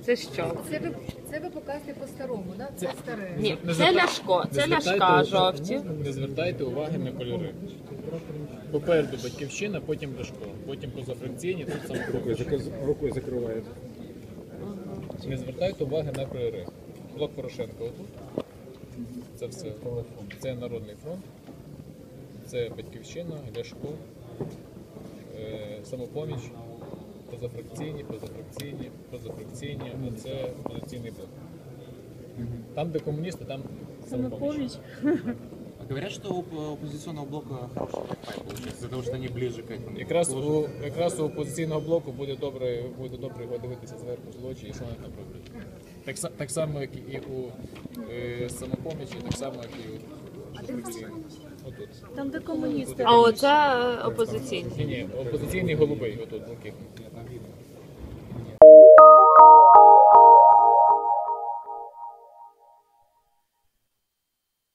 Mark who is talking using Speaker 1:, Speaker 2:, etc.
Speaker 1: Це що?
Speaker 2: Це ви показуєте по-старому, да? Це старе.
Speaker 1: Ні, це Ляшко, це Ляшка жовті.
Speaker 3: Не звертайте уваги на кольори. Попереду Батьківщина, потім Ляшко, потім позафракційні, тут Самопоміч.
Speaker 4: Рукою закриває.
Speaker 3: Не звертайте уваги на кольори. Блок Порошенка отут. Це все. Це Народний фронт, це Батьківщина, Ляшко, Самопоміч, позафракційні, а це опозиційний блок. Там, де комуністи, там Самопоміч.
Speaker 5: Говорят, что у оппозиционного блока хороший пайп получается, из-за того, что они ближе к этому.
Speaker 3: Якраз у опозиційного блоку буде добре його дивитися зверху з лочі і що вони там роблять. Так само, як і у Самопомічі, так само, як і у позафракційному. Отут.
Speaker 2: Там, де комуністи.
Speaker 1: А оце опозиційні.
Speaker 3: Ні, опозиційний голубий, отут, блакитний.